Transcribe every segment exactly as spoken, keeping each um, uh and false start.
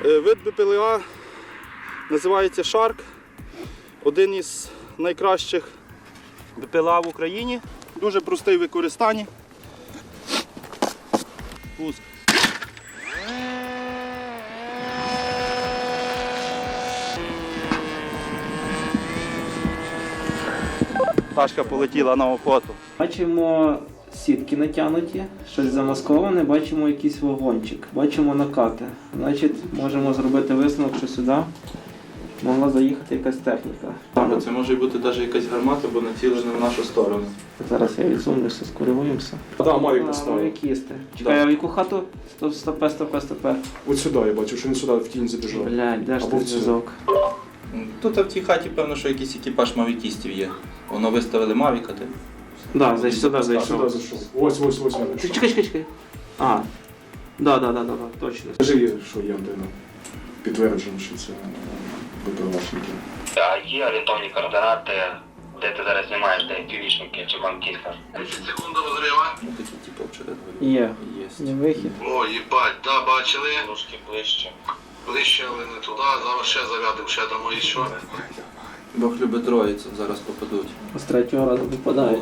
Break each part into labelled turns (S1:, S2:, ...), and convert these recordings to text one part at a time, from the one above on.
S1: Вид БПЛА називається Shark. Один із найкращих БПЛА в Україні. Дуже простий в використанні. Пуск. Пташка полетіла на охоту.
S2: Бачимо сітки натягнуті, щось замасковане, бачимо якийсь вагончик, бачимо накати. Значить, можемо зробити висновок, що сюди могла заїхати якась техніка.
S1: Це може бути навіть якась гармата, бо націлена в нашу сторону.
S2: Зараз я відсунуся, скоригуємося.
S3: Так, Мавік
S2: А,
S3: поставив.
S2: Мавік їсти. Чекай, а в яку хату? Стоп, стопе, стопе, стопе.
S3: От сюди я бачу, що він сюди в тінь забіжав.
S2: Блядь, де ж
S3: Або
S2: ти
S3: в цю.
S2: зв'язок?
S4: Тут в тій хаті, певно, що якийсь екіпаж мавікістів є. Воно виставили мавіка, ти?
S2: Да, зайшов, сюди
S3: Сюди
S2: зайшов.
S3: зайшов. Ось, ось, ось. він.
S2: Чекай, чекай, чекай. А, да, да, да, да, да, точно.
S3: Скажи, що є де підтверджено, що це БПЛАшники.
S5: А є орієнтовні координати, де ти зараз знімаєш, де північники чи банківка? десять секунд до розриву.
S4: Ну, такі, типу, очевидно.
S2: Є.
S4: Є.
S2: Є вихід.
S5: О, їбать, да, бачили. Трошки ближче. Ближче, але не туди, зараз ще зарядив, ще дамо і що.
S4: Бог любить троїцю, зараз попадуть.
S2: З третього разу випадають.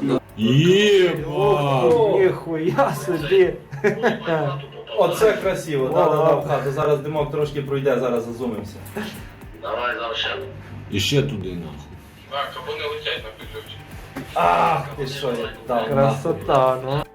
S6: Єба!
S2: Ніхуя собі.
S6: Оце красиво, да, да, да, в хату. Зараз димок трошки пройде, зараз зазумимося.
S5: Давай, зараз ще.
S6: І ще туди нахуй.
S5: Так, або не летять на підключі.
S6: Ах, ти що, я дав.
S2: Красота, ну.